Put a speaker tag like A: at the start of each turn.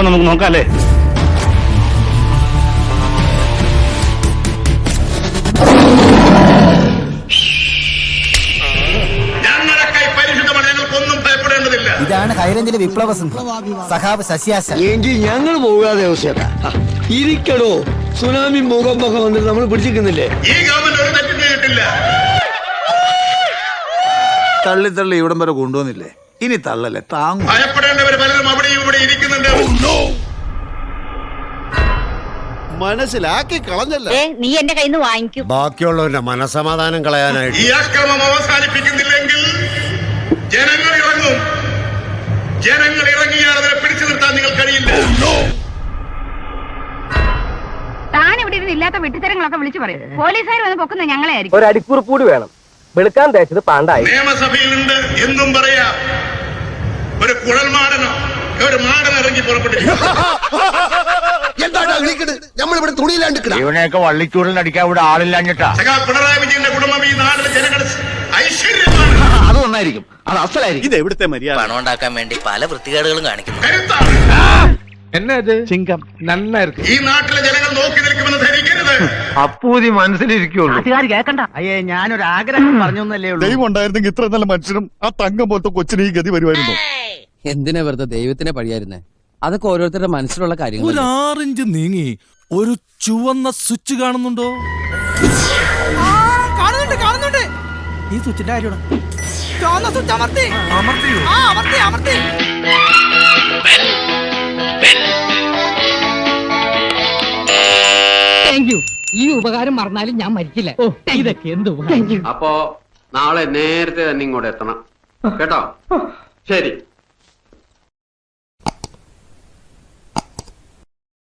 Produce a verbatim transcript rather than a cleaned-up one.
A: അപ്പൊ നമുക്ക് നോക്കാം അല്ലേ?
B: ഇതാണ് ഹൈറേഞ്ചിലെ വിപ്ലവ സിംഹം സഖാവ് ശശിയാശൻ.
C: എങ്കിൽ ഞങ്ങൾ പോകാതെ ഇരിക്കടോ. സുനാമി മുഖം മുഖം വന്നിട്ട് നമ്മൾ പിടിച്ചിരിക്കുന്നില്ലേ?
D: ഈ ഗവൺമെന്റ് ഒരു തെറ്റും ചെയ്തിട്ടില്ല.
E: തള്ളി തള്ളി ഇവിടം വരെ കൊണ്ടുവന്നില്ലേ, ഇനി തള്ളല്ലേ താങ്ങും.
D: ഭയപ്പെടേണ്ടവർ പലരും അവിടെയും ഇവിടെ ഇരിക്കുന്നുണ്ട്.
F: മനസ്സിലാക്കി കളഞ്ഞല്ലേ
G: നീ എന്റെ കയ്യിൽ നിന്ന് വാങ്ങിക്കും.
F: ബാക്കിയുള്ളവരുടെ മനസമാധാനം കളയാനായിട്ട്
D: ഈ അക്രമം അവസാനിപ്പിക്കുന്നില്ലെങ്കിൽ ജനങ്ങൾ ഇറങ്ങും. ജനങ്ങൾ ഇറങ്ങിയാൽ അതിനെ പിടിച്ചു നിർത്താൻ നിങ്ങൾ കഴിയില്ല.
G: താൻ ഇവിടെ ഇരുന്ന് ഇല്ലാത്ത വെട്ടിത്തരങ്ങളൊക്കെ വിളിച്ചു പറയും. പോലീസുകാർ വന്ന് പൊക്കുന്ന ഞങ്ങളെ ആയിരിക്കും.
H: ഒരു അടിക്കുറിപ്പ് കൂടി വേണം. വെളുക്കാൻ തേച്ചത് പാണ്ടായി.
D: നിയമസഭയിലുണ്ട് എന്തും പറയാം. ഒരു കുഴൽമാടനോ ഒരു മാടൻ ഇറങ്ങി പുറപ്പെട്ടിരിക്കും.
F: നമ്മളിവിടെ തുണിയിലാണ്ട്
A: ഇവനെയൊക്കെ വള്ളിച്ചൂടിനടിക്കാൻ ഇവിടെ ആളില്ലാഞ്ഞിട്ടാ.
D: പിണറായി വിജയന്റെ കുടുംബം ഈ നാട്ടിലെ ജനങ്ങളുടെ ഐശ്വര്യമാണ്.
E: അത് നന്നായിരിക്കും, അത് അസലായിരിക്കും.
F: ഇത് എവിടുത്തെ മര്യാദ?
I: പണം ഉണ്ടാക്കാൻ വേണ്ടി പല വൃത്തികേടുകളും കാണിക്കുന്നു.
D: ഈ നാട്ടിലെ ജനങ്ങൾ നോക്കി നിൽക്കുമെന്ന് ധരിക്കരുത്.
E: അപ്പൂതി മനസ്സിലിരിക്കുള്ളൂ.
B: കേക്കണ്ട. അയ്യേ, ഞാനൊരു ആഗ്രഹം പറഞ്ഞേ ഉള്ളൂ.
F: ദൈവം ഉണ്ടായിരുന്നെങ്കിൽ ഇത്ര നല്ല മനുഷ്യനും ആ തങ്കം പോലത്തെ കൊച്ചിന് ഈ ഗതി വരുമായിരുന്നു.
J: എന്തിനാ വെറുതെ ദൈവത്തിനെ പഴിയായിരുന്നേ? അതൊക്കെ ഓരോരുത്തരുടെ മനസ്സിലുള്ള കാര്യങ്ങൾ.
K: ഒരു ആറിഞ്ച് നീങ്ങി ഒരു ചുവന്ന സ്വിച്ച് കാണുന്നുണ്ടോ?
B: കാണുന്നുണ്ട് കാണുന്നുണ്ട്. ഈ സ്വിച്ചിന്റെ കാര്യമാണ്. ചുവന്ന സ്വിച്ച് അമർത്തി അമർത്തിയോ? ആ അമർത്തി അമർത്തി.
H: Thank you. ഈ ഉപകാരം മറന്നാലും ഞാൻ മരിക്കില്ല. ഇതൊക്കെ എന്ത്
L: അപ്പോ നാളെ നേരത്തെ തന്നെ ഇങ്ങോട്ട് എത്തണം കേട്ടോ. ശരി.